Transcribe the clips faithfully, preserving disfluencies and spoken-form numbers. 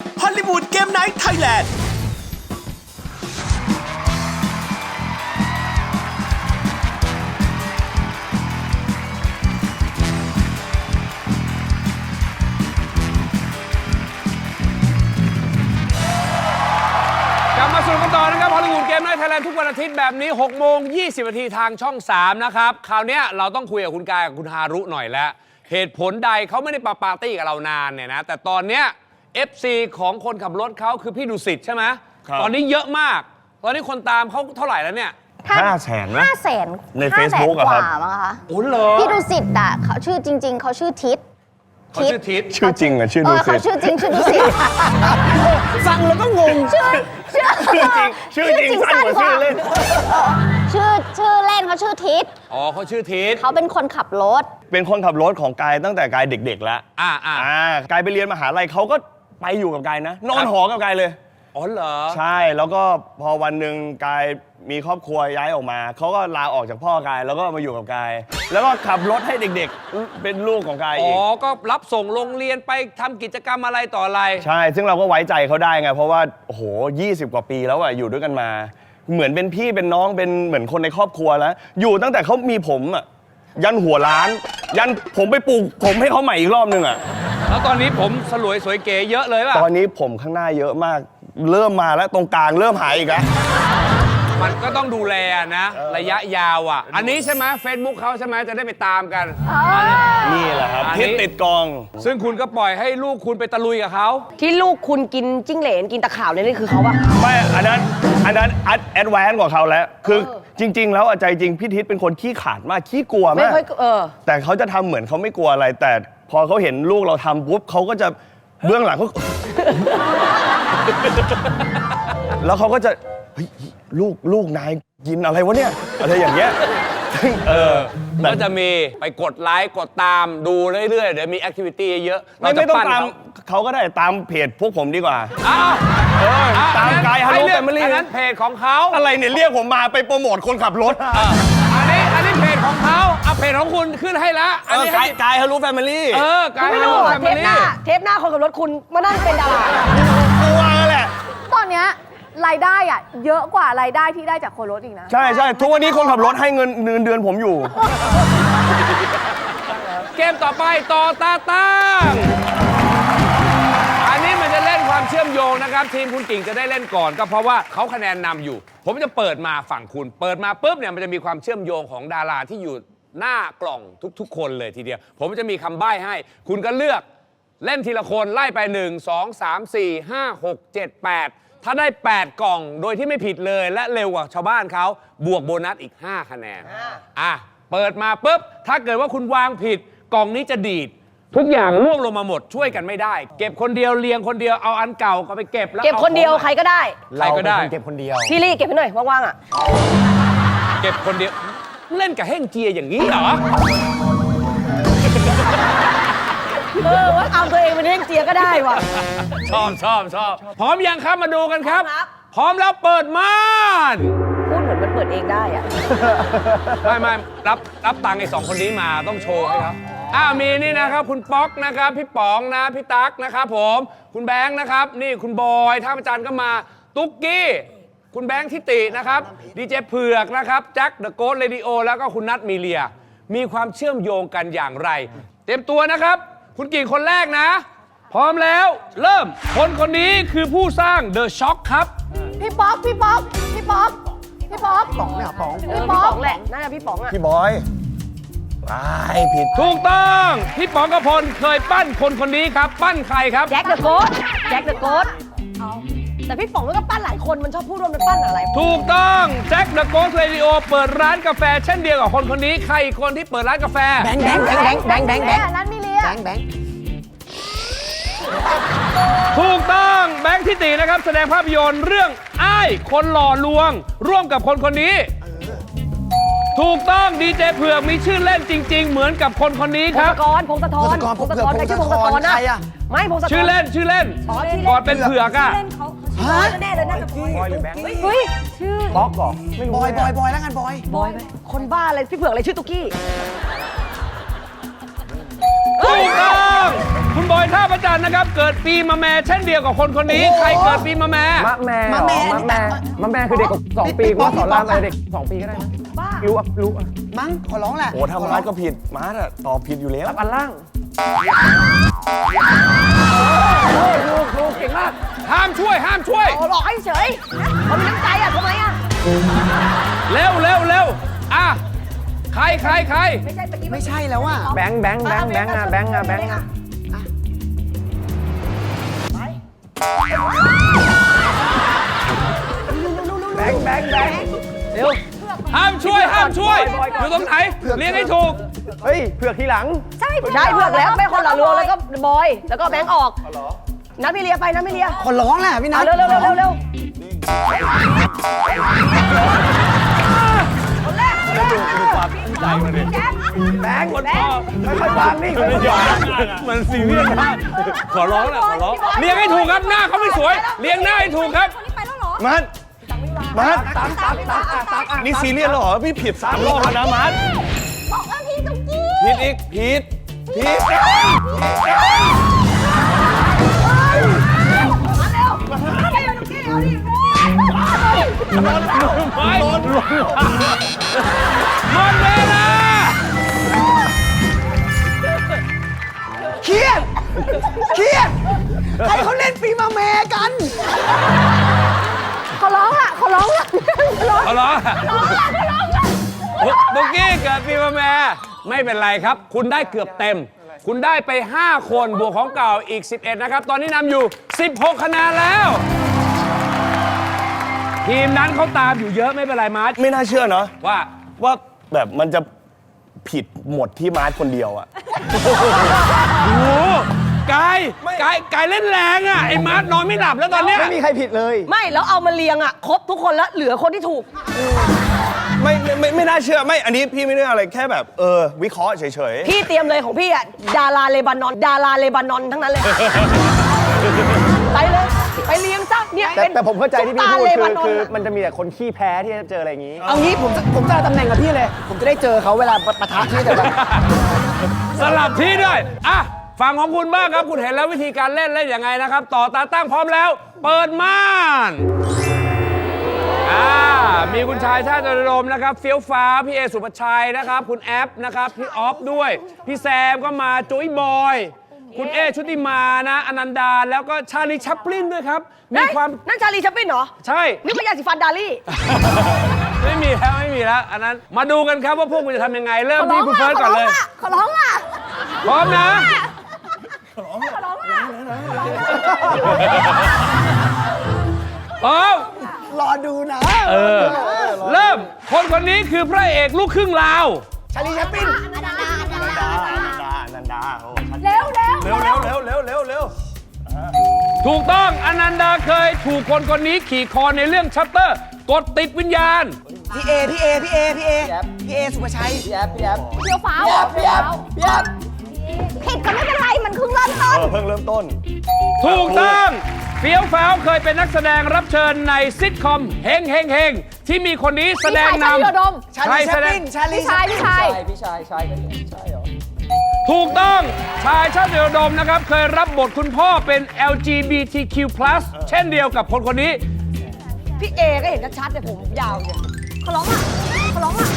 ฮอลลีวูดเกมไนท์ไทยแลนด์กลับมาสู่กันต่อนะครับฮอลลีวูดเกมไนท์ไทยแลนด์ทุกวันอาทิตย์แบบนี้หกโมงยี่สิบนาทีทางช่องสามนะครับคราวนี้เราต้องคุยกับคุณกายกับคุณฮารุหน่อยแล้วเหตุผลใดเขาไม่ได้ปาปาร์ตี้กับเรานานเนี่ยนะแต่ตอนเนี้ย เอฟ ซี ของคนขับรถเขาคือพี่ดุสิตใช่ไหมตอนนี้เยอะมากตอนนี้คนตามเขาเท่าไหร่แล้วเนี่ยห้าแสนนะห้าแสนใน Facebook กว่าอะครับมั้งคะโอ้เหรอพี่ดุสิตอ่ะเขาชื่อจริง ๆเขาชื่อทิศเขาชื่อทิศชื่อจริงอะชื่อเอดุอสิเขาตชื่อจริงชื่อดุสิตฟังแล้วก็งงชื่อชื่อชื่อจริงสั้นกว่าชื่อเล่นชื่อชื่อเล่นเขาชื่อทิศอ๋อเขาชื่อทิศเขาเป็นคนขับรถเป็นคนขับรถของกายตั้งแต่กายเด็กๆแล้วอ่าอ่าอ่ากายไปเรียนมหาลัยเขาก็ไปอยู่กับกายนะนอนหอกับกายเลยอ๋อเหรอใช่แล้วก็พอวันหนึ่งกายมีครอบครัวย้ายออกมาเขาก็ลาออกจากพ่อกายแล้วก็มาอยู่กับกายแล้วก็ขับรถให้เด็กๆเป็นลูกของกายอ๋อีอก ก็รับส่งโรงเรียนไปทำกิจกรรมอะไรต่ออะไรใช่ซึ่งเราก็ไว้ใจเขาได้ไงเพราะว่าโอ้โหยี่สิบกว่าปีแล้วอะอยู่ด้วยกันมาเหมือนเป็นพี่เป็นน้องเป็นเหมือนคนในครอบครัวแล้วอยู่ตั้งแต่เขามีผมอะยันหัวล้านยันผมไปปลูกผมให้เขาใหม่อีกรอบนึงอะแล้วตอนนี้ผมสลวยสวยเก๋เยอะเลยป่ะตอนนี้ผมข้างหน้าเยอะมากเริ่มมาแล้วตรงกลางเริ่มหายอีกแล้วมันก็ต้องดูแลนะระยะยาวอ่ะอันนี้ใช่ไหม Facebook เขาใช่ไหมจะได้ไปตามกันนี่แหละครับทิศติดกองซึ่งคุณก็ปล่อยให้ลูกคุณไปตะลุยกับเขาที่ลูกคุณกินจิ้งเหลนกินตะขาบเลยนี่คือเขาปะไม่อันนั้นอันนั้นแอดวานซ์กว่าเขาแล้วคือจริงๆแล้วใจจริงพี่ทิศเป็นคนขี้ขลาดมากขี้กลัวมากไม่ค่อยเออแต่เขาจะทำเหมือนเขาไม่กลัวอะไรแต่พอเขาเห็นลูกเราทำปุ๊บเขาก็จะเบื้องหลังเขาแล้วเขาก็จะเฮ้ยลูกลูกนายกินอะไรวะเนี่ยอะไรอย่างเงี้ยเออก็จะมีไปกดไลค์กดตามดูเรื่อยๆเดี๋ยวมีแอคทิวิตี้เยอะไม่ไม่ต้องตามเขาก็ได้ตามเพจพวกผมดีกว่าอ้าวตามกายฮัลโหลแฟมิลี่อันนั้นเพจของเขาอะไรเนี่ยเรียกผมมาไปโปรโมทคนขับรถอันนี้อันนี้เพจของเขาเอาเพจของคุณขึ้นให้ละอันนี้กายฮัลโหลแฟมิลี่เออกายฮัลโหลแฟมิลี่เทปหน้าเทปหน้าคนขับรถคุณมานั่งเป็นดารากลัวแหละตอนเนี้ยรายได้อะเยอะกว่ารายได้ที่ได้จากคนรถอีกนะใช่ใช่ทุกวันนี้คนขับรถให้เงินเดือนเดือนผมอยู่เกมต่อไปต่อตาตั้งอันนี้มันจะเล่นความเชื่อมโยงนะครับทีมคุณกิ่งจะได้เล่นก่อนก็เพราะว่าเขาคะแนนนำอยู่ผมจะเปิดมาฝั่งคุณเปิดมาปุ๊บเนี่ยมันจะมีความเชื่อมโยงของดาราที่อยู่หน้ากล่องทุกๆคนเลยทีเดียวผมจะมีคำใบ้ให้คุณก็เลือกเล่นทีละคนไล่ไปหนึ่ง สอง สาม สี่ ห้า หก เจ็ด แปดถ้าได้แปดกล่องโดยที่ไม่ผิดเลยและเร็วกว่าชาวบ้านเขาบวกโบนัสอีกห้าคะแนนอ่ะเปิดมาปุ๊บถ้าเกิดว่าคุณวางผิดกล่องนี้จะดีดทุกอย่างร่วงลงมาหมดช่วยกันไม่ได้เก็บคนเดียวเรียงคนเดียวเอาอันเก่าก็ไปเก็บแล้วเก็บคนเดียวใครก็ได้ใครก็ได้เก็บคนเดียวพี่ลี่เก็บให้หน่อยว่างๆอ่ะเก็บคนเดียวเล่นกับเฮ่งเจียอย่างนี้เหรอเออว่าเอาตัวเองเป็นเฮ่งเจียก็ได้ว่ะชอบชอบชอบพร้อมยังครับมาดูกันครับพร้อมแล้วเปิดม่านพูดเหมือนมันเปิดเองได้อ่ะไม่ไม่รับรับตังค์ไอ้สองคนนี้มาต้องโชว์ให้ครับอ้าวมีนี่นะครับคุณป๊อกนะครับพี่ป๋องนะพี่ตั๊กนะครับผมคุณแบงค์นะครับนี่คุณบอยท่าประจันก็มาตุ๊กกี้คุณแบงค์ทิตินะครับดีเจเผือกนะครับแจ็คเดอะโกสต์เรดิโอแล้วก็คุณนัทมีเลียมีความเชื่อมโยงกันอย่างไรเตรียมตัวนะครับคุณกิ่งคนแรกนะพร้อมแล้วเริ่มคนคนนี้คือผู้สร้าง The Shock ครับพี่ป๊อกพี่ป๊อกพี่ป๊อกพี่ป๊อกป๋องเนี่ยป๋องเออพี่ป๋องแหละน่าจะพี่ป๋องอ่ะพี่บอยว้ายผิดถูกต้องพี่ป๋องกพลเคยปั้นคนคนนี้ครับปั้นใครครับแจ็คเดอะโกสต์แจ็คเดอะโกสต์แต่พี่ป๋องมันก็ปั้นหลายคนมันชอบพูดว่ามันปั้นอะไรถูกต้องแจ็คเดอะโกสต์เรดิโอเปิดร้านกาแฟเช่นเดียวกับคนคนนี้ใครอีกคนที่เปิดร้านกาแฟแบงค์แบงค์แบงค์แบงค์แบงค์แบงค์นั้นมีเลียแบงค์แบงค์ถูกต้องแบงค์ทิตินะครับแสดงภาพยนตร์เรื่องอ้ายคนหล่อลวงร่วมกับคนคนนี้ถูกต้องดีเจเผือกมีชื่อเล่นจริงๆเหมือนกับคนคนนี้ครับพงศธรพงศธรพงศธรใครชื่อพงศธรนะไม่พงศธรชื่อเล่นชื่อเล่นก่อนเป็นเผือกอ่ะฮะแน่เลยน่าจะบอยหรือแบงค์เฮ้ยชื่อป๊อกบอกบอยบอยบอยแล้วกันบอยบอยคนบ้าอะไรพี่เผือกอะไรชื่อตุ๊กกี้ถูกต้องคุณบอยท่าประจันนะครับ เกิดปีมะแม่เช่นเดียวกับคนคนนี้ ใครเกิดปีมะแม่มะแม่เหรอมะแม่มะแม่คือเด็กกว่าสองปีกูว่าสอนรามอะไรเด็กสองปีก็ได้นะรู้อ่ะรู้อ่ะมั้งขอร้องแหละโอ้ถ้ามาร์ทก็ผิดมาร์ทอะตอบผิดอยู่แล้วอันล่างลูกลูกเก่งมากห้ามช่วย ห้ามช่วยเอาหลอกให้เฉยเขามีน้ำใจอ่ะทำไมอ่ะเร็วเร็วเร็วอ่ะใครใครใครไม่ใช่ตะกี้ไม่ใช่แล้วอ่ะแบงค์แบงค์แบงค์แบงค์อ่ะแบงค์อ่ะแบงค์อ่ะแบงค์แบงค์แบงค์เร็วห้ามช่วย ห้ามช่วยบอยก่อนอยู่ตรงไหนเรียงให้ถูกเฮ้ยเผือกทีหลังใช่ใช่เพื่อกแล้วไม่คนหล่อลวงแล้วก็บอย แล้วก็แบงค์ออกนัดพี่เลียไปนัดพี่เลียขอร้องแหละพี่นัเอาทเร็วเร็วเร็วเร็วเร็วแบงค์คนพอค่อยๆวางนี่ค่อยๆวางมันซีเรียสมากขอร้องแหละขอร้องเรียงให้ถูกครับหน้าเขาไม่สวยเรียงหน้าให้ถูกครับไปแล้วเหรอมาร์ทมาร์ทตักตักตักตักตักอ่ะนี่ซีเรียสแล้วเหรอพี่ผิดสามรอบแล้วนะมาร์ทบอกว่าพี่ตุ๊กกี้ผิดอีกผิดผิดไม่หมดเวลาเครียดเครียดใครเขาเล่นปีมาแม่กันขอร้องอ่ะขอร้องอ่ะขอร้องเอาเหรอขอร้องอ่ะขอร้องอ่ะตุ๊กกี้เกิดปีมะแม่ไม่เป็นไรครับ คุณได้เกือบเต็ม คุณได้ไป ห้า คนบวกของเก่าอีก สิบเอ็ด นะครับ ตอนนี้นำอยู่ สิบหก คะแนนแล้ว ทีมนั้นเขาตามอยู่เยอะไม่เป็นไรมาร์ชไม่น่าเชื่อเนาะว่าว่าแบบมันจะผิดหมดที่มาร์ทคนเดียวอะโอ้โหกายกายกายเล่นแรงอ่ะ ไอ้มาร์ชนอนไม่หลับแล้วตอนเนี้ยไม่มีใครผิดเลยไม่แล้วเอามาเรียงอ่ะครบทุกคนแล้วเหลือคนที่ถูกไม่ไม่ไม่ไม่น่าเชื่อไม่อันนี้พี่ไม่ได้อะไรแค่แบบเออวิเคราะห์เฉยพี่เตรียมเลยของพี่อ่ะดาราเลบานอน ดาราเลบานอนทั้งนั้นเลย ไปเลย ไปเลี้ยงซะเนี่ยแต่เป็นแต่ผมเข้าใจที่พี่พูดซุปตาเลคืบาอนอนคืออะมันจะมีแต่คนขี้แพ้ที่จะเจออะไรอย่างนี้เอางี้ผมจะผมจะเอาตำแหน่งกับพี่เลย ผมจะได้เจอเขาเวลาปะทะที่แต่ละสลับที่ด้วย อ่ะ ฝั่งของคุณบ้างครับ คุณเห็นแล้ววิธีการเล่นเล่นยังไงนะครับ ต่อตาตั้งพร้อมแล้ว เปิดม่าน อ่า มีคุณชายชาติจรมนะครับ เฟี้ยวฟ้า พี่เอสุภชัยนะครับ คุณแอปนะครับ พี่ออฟด้วย พี่แซมก็มาจุ้ยบอย คุณเอชุติมานะ อนันดา แล้วก็ชาลีชัปลินด้วยครับ มีความนั่นชาลีชัปปินเหรอใช่นี่ก็ยาสีฟันดาลี่ไม่มีแล้วไม่มีแล้ว อันนั้น มาดูกันครับว่าพวกคุณจะทำยังไง เริ่มขอร้ที่องคุณอ่ะเฟิร์สขก่ออนร้อเลงยอ่ะขอร้องอ่ะพร้อมนะขอร้องอ่ะพร้อมรอดูนะเออ เริ่ม คนคนนี้คือพระเอกลูกครึ่งลาวชาลีแชปปินอนันดาอนันดาๆนันดานันดาโอ้ชัดเร็วเร็วเร็วเร็วเร็วเร็วเร็วเร็วถูกต้องอนันดาเคยถูกคนคนนี้ขี่คอในเรื่องชัตเตอร์ กดติดวิญญาณพี่เอพี่เอพี่เอพี่เอพี่เอสุภชัยพี่แอปพี่แอปเฟี้ยวฟ้าวพี่แอปพี่แอปผิดก็ไม่เป็นไรมันเพิ่งเริ่มต้เอน อเพิ่งเริ่มต้นถูกต้องเฟี้ยวฟ้าวเคยเป็นนักแสดงรับเชิญในซิทคอมเฮงเฮงเฮงที่มีคนนี้แสดงนพี่ชายชาลีโดมำชาลีแชปปินชาลีพี่ชายพี่ชายพี่ชายชายก็ใช่เหรอถูกต้องชายชาติอุดมนะครับ เคยรับบทคุณพ่อเป็น แอล จี บี ที คิว พลัส เช่นเดียวกับคนคนนี้พี่เอก็เห็นชัดๆแต่ผมยาวเนี่ยขอร้องอ่ะขอร้องอ่ะ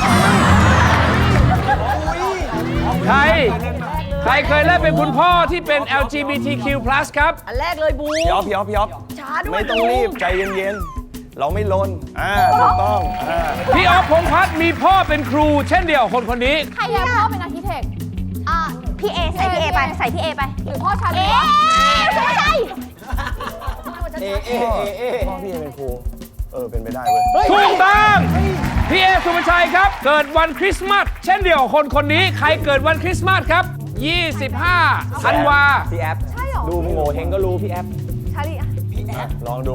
ใคร ใครเคยเล่นเป็นคุณพ่อที่เป็น แอล จี บี ที คิว พลัส ครับอันแรกเลยบูพี่ออฟพี่ออฟพี่ออฟช้าด้วยไม่ต้องรีบใจเย็นๆ เราไม่ลนอ่าถูกต้องอ่าพี่ออฟพงษ์พัฒน์มีพ่อเป็นครู เช่นเดียวกับคนคนนี้ใครอะพ่อเป็นอาร์คิเทคอ่าพี่เอใส่พี่เอไปใส่พี่เอไปหรือพ่อชาลีเอ๊วะะใช่ใช่เอเอเอเอพ่อพี่เป็นครูเออเป็นไปได้เว้ยถูกต้องพี่เอสุภชัยครับ เกิดวันคริสต์มาสเช่นเดียวกับคนคนนี้ ใครเกิดวันคริสต์มาสครับ ยี่สิบห้า ธันวาพี่แอปใช่เหรอดูโง่เฮงก็รู้พี่แอปชาลีอะลองดู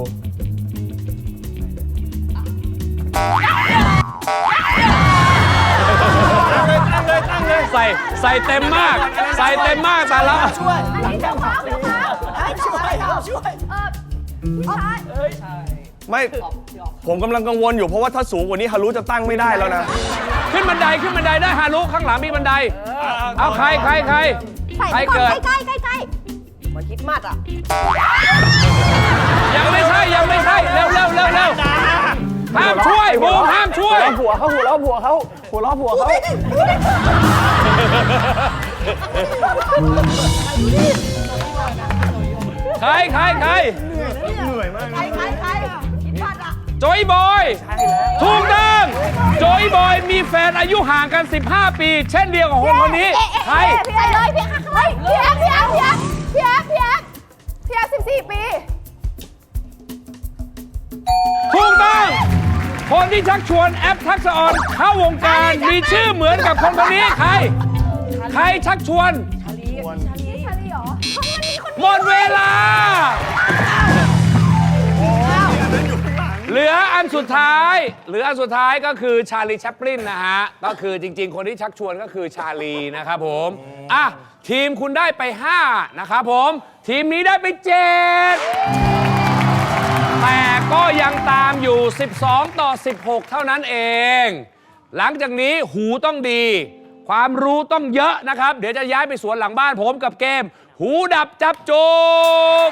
ใส่ใส่เต็มมาก ใส่เต็มมากแต่ละช่วยอันนี้เฟี้ยวฟ้าวเฟี้ยวฟ้าวช่วยช่วยเออพี่ชายไม่ผมกำลังกังวลอยู่เพราะว่าถ้าสูงกว่านี้ฮารุจะตั้งไม่ได้แล้วนะขึ้นบันไดขึ้นบันไดได้ฮารุข้างหลังมีบันได เอาใครใครใครใส่ใครก่อนเกิดใกล้ใกล้ใกล้มันคิดมัดอ่ะยังไม่ใช่ยังไม่ใช่เร็วเร็วเร็วเร็วห้ามช่วยบูมห้ามช่วยหัวเขาหัวเราะผัวเขาหัวเราะผัวเขาใครใครใครใครใครใครคิดมัดอ่ะโจยบอยถูกต้องโจยบอยมีแฟนอายุห่างกัน สิบห้า ปี เช่นเดียวกับคนคนนี้ใครพี่ใส่เลยพี่เฮ้ยพี่แอฟพี่แอฟพี่แอฟพี่แอฟพี่แอฟพี่แอฟสิบสี่ปีถูกต้องคนที่ชักชวนแอปทักษะออนเข้าวงการมีชื่อเหมือนกับคนคนนี้ใคร ใครชักชวนชาลีเหรอหมดเวลา เหลืออันสุดท้ายเหลืออันสุดท้ายก็คือชาลีแชปลินนะฮะ ก็คือจริงๆ คนที่ชักชวนก็คือชาลีนะครับผม อ่ะ ทีมคุณได้ไป ห้า นะครับผม ทีมนี้ได้ไป เจ็ด แต่ก็ยังตามอยู่ สิบสอง ต่อ สิบหก เท่านั้นเอง หลังจากนี้หูต้องดี ความรู้ต้องเยอะนะครับ เดี๋ยวจะย้ายไปสวนหลังบ้านผมกับเกม หูดับจับจูบ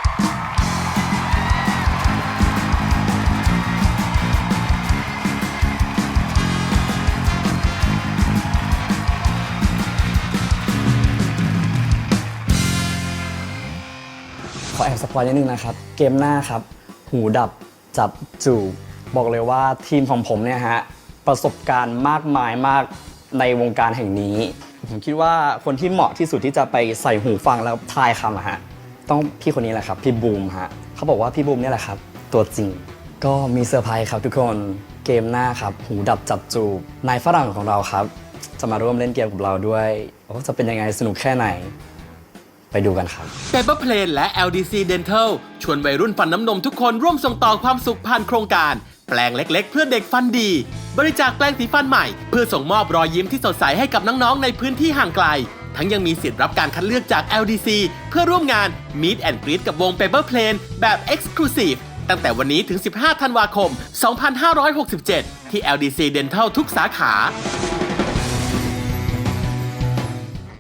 ขอแอบสปอยนิดนึงนะครับ เกมหน้าครับ หูดับจับจูบบอกเลยว่าทีมของผมเนี่ยฮะ ประสบการณ์มากมายมากในวงการแห่งนี้ ผมคิดว่าคนที่เหมาะที่สุดที่จะไปใส่หูฟังแล้วทายคำอะฮะ ต้องพี่คนนี้แหละครับ พี่บูมฮะเขาบอกว่าพี่บูมเนี่ยแหละครับ ตัวจริง ก็มีเซอร์ไพรส์ครับทุกคนเกมหน้าครับ หูดับจับจูบนายฝรั่งของเราครับ จะมาร่วมเล่นเกมกับเราด้วยว่าจะเป็นยังไงสนุกแค่ไหนไปดูกันครับ Paper Plane และ แอล ดี ซี Dental ชวนวัยรุ่นฟันน้ำนมทุกคนร่วมส่งต่อความสุขผ่านโครงการ แปลงเล็กๆ เพื่อเด็กฟันดี บริจาคแปลงสีฟันใหม่เพื่อส่งมอบรอยยิ้มที่สดใสให้กับน้องๆในพื้นที่ห่างไกล ทั้งยังมีสิทธิ์รับการคัดเลือกจาก แอล ดี ซี เพื่อร่วมงาน Meet and Greet กับวง Paper Plane แบบ Exclusive ตั้งแต่วันนี้ถึง สิบห้า ธันวาคม สองพันห้าร้อยหกสิบเจ็ด ที่ แอล ดี ซี Dental ทุกสาขา